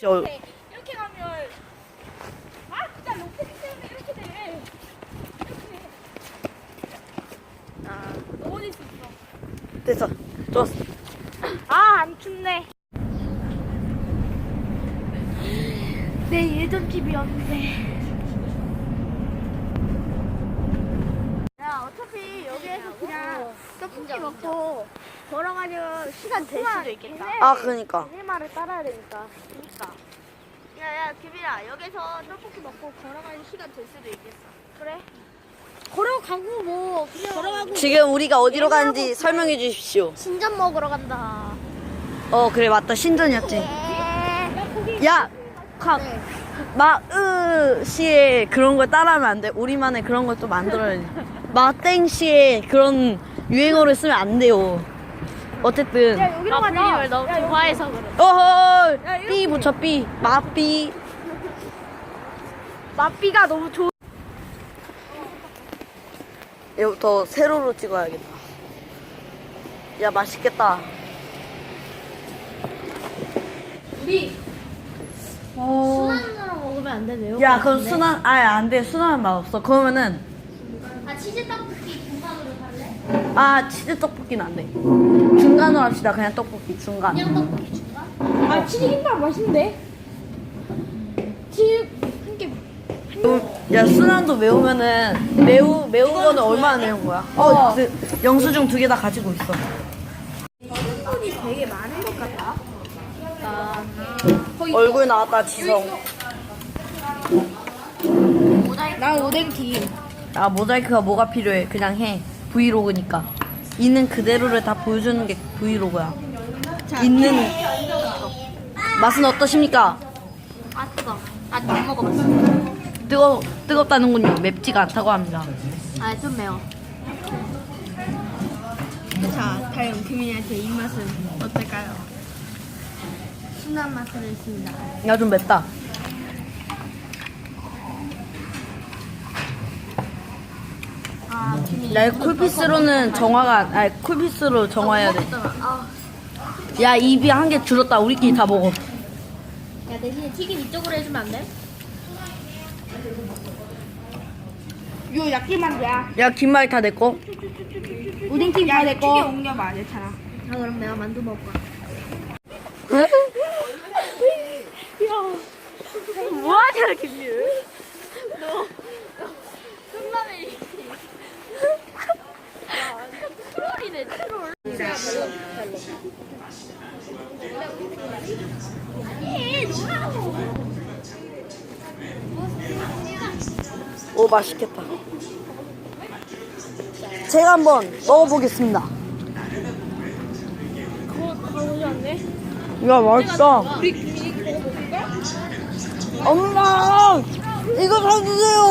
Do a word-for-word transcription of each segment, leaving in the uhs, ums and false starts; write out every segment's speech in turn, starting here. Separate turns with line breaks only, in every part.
저
이렇게, 이렇게 가면 아 진짜 로켓 때문에 이렇게 돼. 이렇게. 아 넘어질 수 있어.
됐어. 좋았어.
아 안 춥네. 내 예전 집이었는데. 야 어차피 여기에서 그냥 떡볶이 먹고 걸어가면 시간 될 수도 있겠다.
아, 그러니까.
걔네 말을 따라야 되니까. 그러니까. 야야 규빈아 여기서 떡볶이 먹고 걸어가는 시간 될 수도 있겠어. 그래? 걸어가고 뭐 그냥 걸어가고
지금 우리가 어디로 가는지 설명해 주십시오.
신전 먹으러 간다.
어, 그래, 맞다. 신전이었지. 야, 각, 마으 씨의 그런 걸 따라하면 안 돼. 우리만의 그런 걸 또 만들어야지. 마땡 씨의 그런 유행어를 쓰면 안 돼요. 어쨌든.
야 여기로 가자. 아, 너무 좋아해서 그래.
어허!
야, 이렇게.
삐 붙여, 삐. 마삐.
맛비가 너무 좋.
이거부터 세로로 찍어야겠다. 야, 맛있겠다.
우리 순한으로 먹으면 안 되네요.
야, 그럼 순한, 아예 안 돼. 순한 맛 없어. 그러면은,
아 치즈 떡볶이 중간으로 갈래?
아, 치즈 떡볶이는 안 돼. 중간으로 합시다. 그냥 떡볶이, 중간.
그냥 떡볶이 중간? 아 치즈 김밥 맛있는데? 치즈 한 개.
야, 순한도 매우면은, 매우, 매운 거는 얼마나 매운 거야? 어, 그, 영수증 두 개 다 가지고 있어.
성분이 되게 많은 것 같다. 아,
얼굴 나왔다, 지성.
난 오뎅튀김.
아, 모자이크가 뭐가 필요해. 그냥 해. 브이로그니까. 있는 그대로를 다 보여주는 게 브이로그야. 있는, 맛은 어떠십니까?
아 뜨거. 아직 못 먹어봤어.
뜨거, 뜨겁다는군요. 맵지가 않다고 합니다.
아 좀 매워. 자, 다음 규민이한테 입맛은 어떨까요? 순한 맛을 했습니다.
야, 좀 맵다.
아, 규민이.
야, 쿨피스로는 정화가, 아니, 쿨피스로 정화해야 돼.
아,
야, 입이 한 개 줄었다. 우리끼리 다 먹어.
야 대신에 튀김 이쪽으로 해주면 안 돼? 요 야끼만두야.
야, 김말이 다 내 거.
오뎅튀김 다 내 거. 옮겨봐, 괜찮아. 아 그럼 내가 만두 먹을까? 뭐하냐 김유? 너 끝나네. 야, 트롤이네 트롤.
오, 맛있겠다. 제가 한번 먹어보겠습니다.
그거 가보지 않네?
야, 맛있다.
우리 김이 그거 먹을까?
엄마! 이거 사주세요!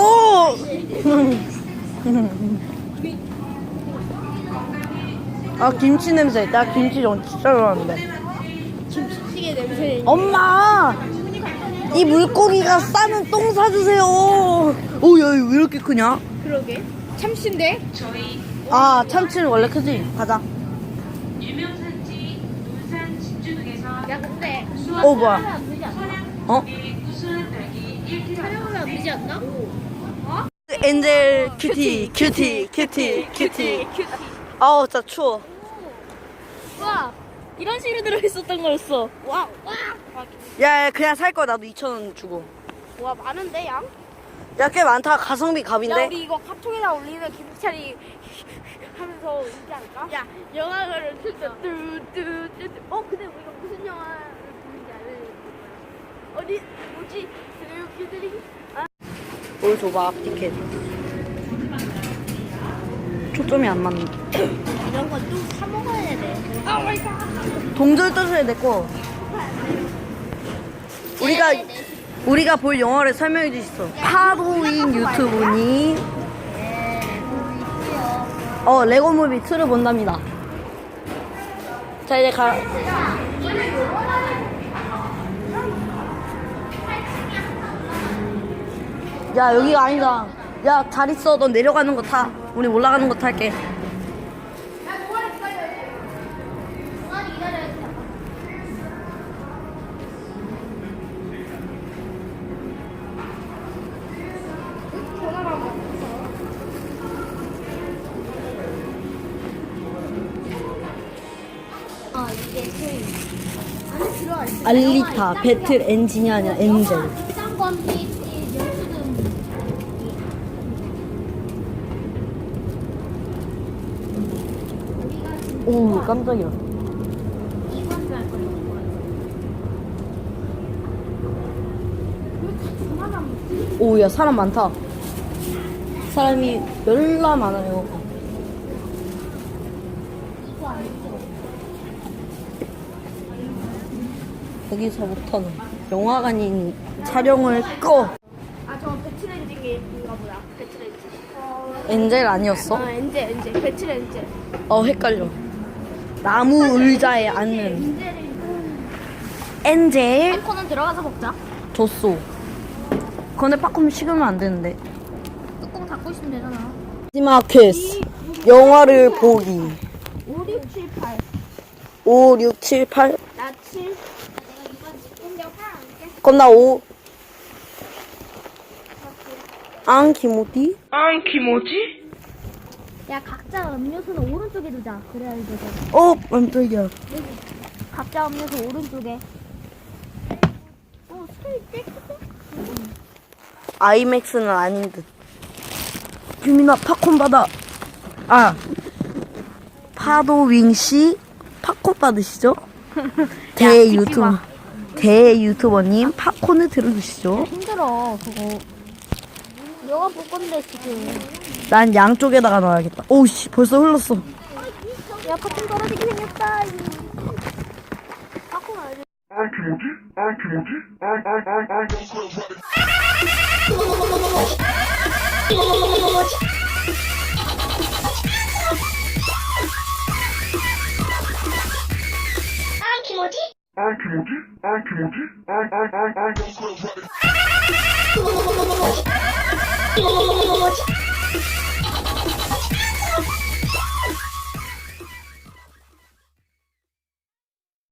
아, 김치 냄새. 나 김치 전 진짜 좋아하는데.
김치찌개 냄새.
엄마! 이 물고기가 싸는 똥 사주세요! 오, 야, 이거 왜 이렇게 크냐?
그러게. 참치인데?
아, 참치는 원래 크지? 가자.
유명산지 논산 진주 등에서
야 근데
어, 뭐야?
안 되지 않나?
어?
구수한 딸기 일 킬로그램
촬영하면 안 되지 않나?
엔젤 큐티, 큐티, 큐티, 큐티. 아우, 진짜 추워.
와 이런 식으로 들어있었던 거였어. 와 와.
야, 야, 그냥 살 거야. 나도 이천 원 주고.
와 많은데 양?
야, 꽤 많다. 가성비
야
갑인데?
우리 이거 카톡에다 올리는 김치차리 하면서 울지 않을까? 야 영화를 진짜 뚜뚜뚜뚜. 어 근데 우리가 무슨 영화를 보는지 알려줘. 어디 뭐지? 드래곤들이
뭘 줘봐, 티켓. 초점이 안 맞네.
이런 건 또 사 먹어야 돼. 아 마이 갓.
동절 떠줘야 될 거. 우리가, 우리가 볼 영화를 설명해 주시죠. 파도인 유튜브니. 어, 레고무비 이를 본답니다. 자, 이제 가. 야, 여기가 아니다. 야, 잘 있어. 넌 내려가는 거 타. 우리 올라가는 거 탈게. 알리타 배틀 엔진이 아니라 엔젤.
비싼 퀄리티 연수등.
오 깜짝이야.
이건 줄 거예요.
오야 사람 많다. 사람이 열나 많아요.
이거 아니죠?
여기서 못하는 영화관인 촬영을 꺼.
아, 저 배틀 엔진인가 보다. 배틀 엔진.
엔젤 아니었어?
아, 엔젤, 엔젤. 배틀 엔젤.
어 헷갈려. 나무 의자에 앉는
엔젤이.
엔젤
팝콘은 들어가서 먹자.
줬어. 근데 팝콘 식으면 안 되는데.
뚜껑 닫고 있으면 되잖아.
마지막 퀘스트 영화를 보기.
오, 육, 칠, 팔.
오, 육, 칠, 팔.
나 칠. 내가 이번 공격 팔 할게.
그럼 나 오. 안 키모티?
안 키모지?
야, 각자 음료수는 오른쪽에 두자. 그래야 되잖아.
어 깜짝이야.
각자 음료수 오른쪽에. 어, 스테이 떼끗해?
아이맥스는 아닌 듯. 유민아 팝콘 받아. 아 파도윙씨 팝콘 받으시죠? 대 유튜버 대 유튜버님 팝콘을 들어주시죠.
힘들어, 그거. 너가 볼 건데, 지금.
난 양쪽에다가 넣어야겠다. 오우씨 벌써 흘렀어.
야, 팝콘 떨어지게 생겼다. 팝콘 알지?
안 키모지? 안 키모지? 안, 안, 안, 안. 안 키모지? 안 키모지? 안, 안, 안, 안.